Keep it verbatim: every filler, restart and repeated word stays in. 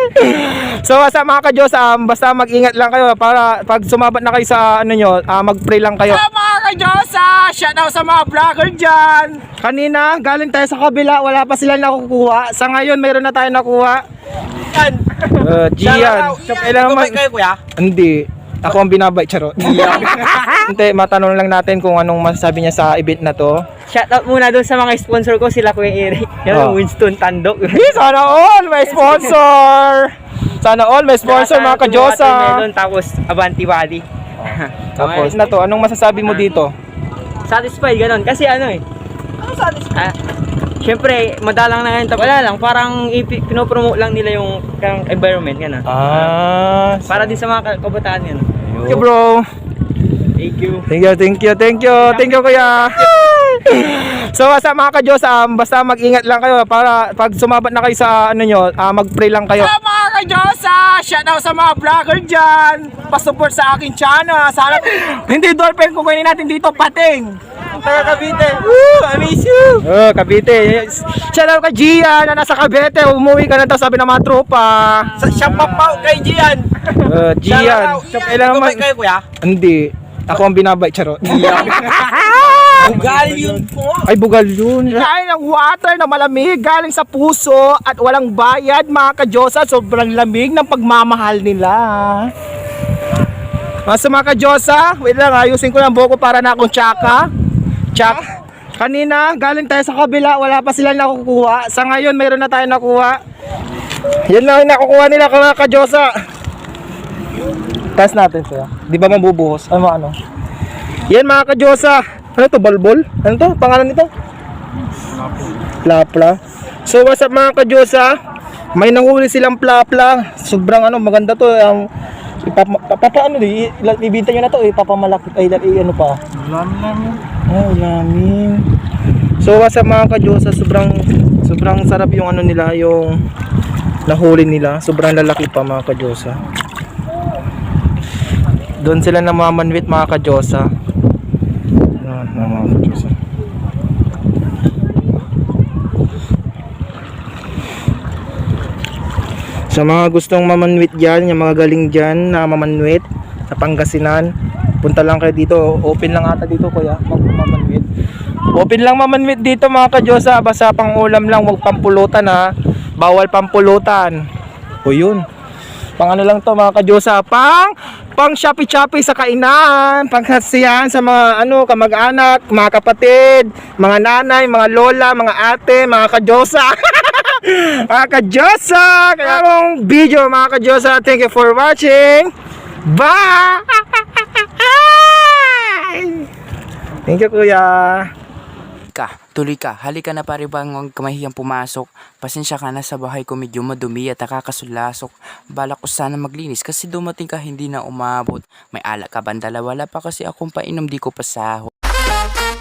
So sa mga ka-Diyos, um, basta mag-ingat lang kayo para pag sumabat na kayo sa ano nyo, uh, mag-pray lang kayo. So mga ka-Diyos, uh, shout out sa mga vlogger dyan. Kanina, galing tayo sa kabila, wala pa sila nakukuha. Sa ngayon, mayroon na tayo nakuha. Yan. Uh, Gian. So, kailangan mag... kayo, kuya? Hindi. Ako ang binabay, charot. Hindi, matanong lang natin kung anong masasabi niya sa event na to. Shoutout muna doon sa mga sponsor ko, sila Kuya Eric. Yan, oh. Winston Tandok. Hey, sana all may sponsor. Sana all may sponsor mga ka-Diyosa. Melon, tapos Avanti Body. Tapos na to, anong masasabi mo dito? Satisfied ganon kasi ano eh. Ano satisfied? Ah, Siyempre, madalang na ngayon. Wala lang, parang pinopromote lang nila yung environment yan ah. Ah, para din sa mga kabataan yan. Thank you, bro. Thank you. Thank you, thank you, thank you, thank you, kuya. So sa mga ka-Diyos, um, basta mag-ingat lang kayo para pag sumabat na kayo sa ano nyo, uh, mag-pray lang kayo. So mga ka-Diyos, uh, shout out sa mga vlogger dyan. Pasupport sa aking channel. Sana hindi dolphin kung kunin natin dito, pating. Taga Cavite. Woo, I miss you. Oh, Cavite. Shout out kay Gian na nasa Cavite. Umuwi ka na daw, sabi ng mga tropa. Siya papaw kay Gian. Uh, Gian. So, kailangan mag... kayo, kuya? Hindi. Ako ang binabay, charot. Bugal yun po. Ay, bugal yun. Kain ng water na malamig galing sa puso at walang bayad mga ka-Diyosa. Sobrang lamig ng pagmamahal nila. Mas mga ka-Diyosa, wait lang, ayusin ko lang buhok ko para na akong tsaka. Tsak. Kanina, galing tayo sa kabila, wala pa sila nakukuha. Sa ngayon, mayroon na tayo nakuha. Yan lang yung nakukuha nila mga ka-Diyosa. Test natin siya. Di ba mabubuhos? Ano ano? Yan mga ka-Diyosa. Ano to? Balbol? Ano to? Pangalan nito? Plapla. So what's up mga ka-Diyosa? May nahuli silang plapla. Sobrang ano, maganda to. Um, ipapa, papa, ano di? Ibinta nyo na to. Ipapamalaki. Ay, ay ano pa? Ulamin namin. Oh, ulamin. So what's up mga ka-Diyosa? Sobrang, sobrang sarap yung ano nila. Yung nahuli nila. Sobrang lalaki pa mga ka-Diyosa. Doon sila namamanwit mga ka-Diyosa. Ayan, mga ka-Diyosa. Sa mga gustong mamanwit dyan, yung mga galing dyan na mamanwit sa Pangasinan, punta lang kayo dito. Open lang ata dito kuya, mamanwit. Open lang mamanwit dito mga ka-Diyosa. Basta pang ulam lang, huwag pampulutan ha. Bawal pampulutan. O yun. Pang ano lang to mga ka-Diyosa, pang pang Shopee-Shopee sa kainan, pang kasiyahan sa mga ano kamag-anak, mga kapatid, mga nanay, mga lola, mga ate, mga ka-Diyosa. Mga ka-Diyosa, kaya mong video mga ka-Diyosa. Thank you for watching. Bye. Thank you kuya. Ka, tuloy ka, halika na pare bang huwag kamahiyang pumasok. Pasensya ka na sa bahay ko medyo madumi at nakakasulasok. Balak ko sana maglinis kasi dumating ka hindi na umabot. May alak ka bandala, wala pa kasi akong painom di ko pasahod.